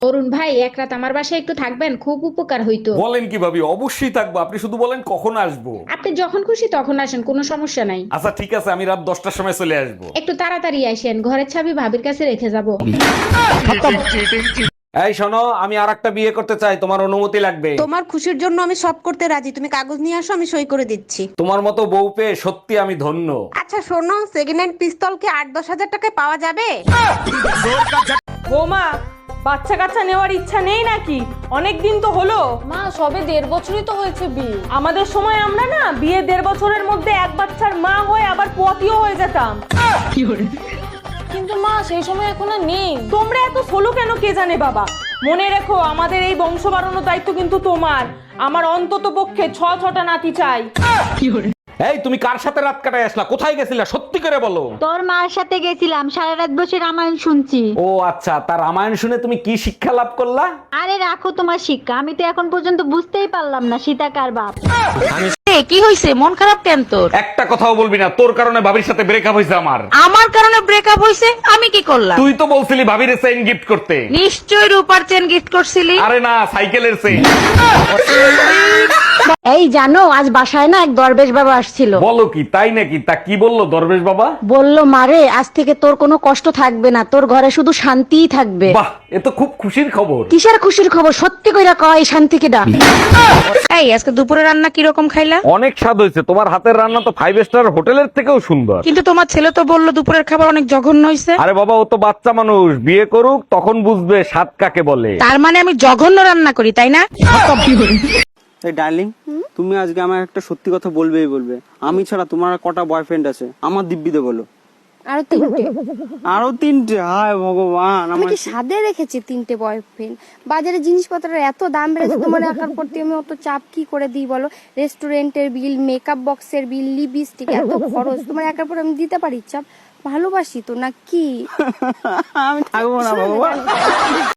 অরুণ ভাই, এক রাত আমার বাসায় একটু থাকবেন, খুব উপকার হইতো। বলেন কি ভাবি, অবশ্যই থাকবো। আপনি শুধু বলেন কখন আসবো। আপনি যখন খুশি তখন আসেন, কোনো সমস্যা নাই। আচ্ছা ঠিক আছে, আমি রাত 10টার সময় চলে আসবো। একটু তাড়াতাড়ি আসেন, ঘরের চাবি ভাবির কাছে রেখে যাব। এই শোনো, আমি আরেকটা বিয়ে করতে চাই, তোমার অনুমতি লাগবে। তোমার খুশির জন্য আমি সব করতে রাজি, তুমি কাগজ নিয়ে আসো, আমি সই করে দিচ্ছি। তোমার মতো বউ পেয়ে সত্যি আমি ধন্য। আচ্ছা শোনো, সেকেন্ড হ্যান্ড পিস্তল কি 8-10 হাজার টাকায় পাওয়া যাবে? বৌমা, বাচ্চা কাচ্চা নেওয়ার ইচ্ছা নেই নাকি? অনেক দিন তো হলো। মা সবে 1.5 বছরই তো হয়েছে বিয়ে। আমাদের সময় আমরা না বিয়ে 1.5 বছরের মধ্যে এক বাচ্চার মা হয়ে আবার পতিও হয়ে যেতাম। কিন্তু মা সেই সময় এখন আর নেই। তোমরা এত সোলো কেন কে জানে বাবা। মনে রেখো, আমাদের এই বংশ বাড়ানোর দায়িত্ব কিন্তু তোমার। আমার অন্তত পক্ষে 6টা নাতি চাই। এই তুমি কার সাথে রাত কাটায় আসলা? কোথায় গেছিলা? সত্যি করে বলো। তোর মার সাথে গেছিলাম, সারা রাত বসে রামায়ণ শুনছি। ও আচ্ছা, তার রামায়ণ শুনে তুমি কি শিক্ষা লাভ করলা? আরে রাখো তোমার শিক্ষা, আমি তো এখন পর্যন্ত বুঝতেই পারলাম না সীতা কার বাপ। কি হইছে, মন খারাপ কেন তোর? একটা কথাও বলবি না, তোর কারণে ভাবির সাথে ব্রেকআপ হয়েছে আমার। আমার কারণে ব্রেকআপ হইছে? আমি কি করলাম? তুই তো বলছিলি ভাবির চেইন গিফট করতে। নিশ্চয় রূপার চেন গিফট করছিলি। আরে না, সাইকেলের চেইন। এই জানো, আজ বাসায় না এক দরবেশ বাবা আসছিল। বলো কি, তাই নাকি? তা কি বললো দরবেশ বাবা? বলল, মারে আজ থেকে তোর কোনো কষ্ট থাকবে না, তোর ঘরে শুধু শান্তিই থাকবে। বাহ, এ তো খুব খুশির খবর। কিসের খুশির খবর? সত্যি কইরা কয়, এই শান্তিকে ডাক। এই আজকে দুপুরে রান্না কি রকম খাইলা? অনেক স্বাদ হয়েছে, তোমার হাতের রান্না তো 5 স্টার হোটেলের থেকেও সুন্দর। কিন্তু তোমার ছেলে তো বললো দুপুরের খাবার অনেক জঘন্য হইছে। আরে বাবা, ও তো বাচ্চা মানুষ, বিয়ে করুক তখন বুঝবে স্বাদ কাকে বলে। তার মানে আমি জঘন্য রান্না করি, তাই না? এই ডার্লিং, তুমি আজকে আমার একটা সত্যি কথা বলবেই বলবে। আমি ছাড়া তোমার আর কটা বয়ফ্রেন্ড আছে? আমার দিব্যিতে বলো। আরো 3টে। আরো 3টে? হায় ভগবান, আমি কি সাদে রেখেছি 3টে বয়ফ্রেন্ড? বাজারে জিনিসপত্রের এত দাম বেড়েছে, তোমার একার প্রতি আমি অত চাপ কি করে দিই বলো? রেস্টুরেন্টের বিল, মেকআপ বক্সের বিল, লিপস্টিক, এত খরচ তোমার একার পর আমি দিতে পারি চাপ? ভালোবাসি তো না কি? আমি থাকবো না বাবা।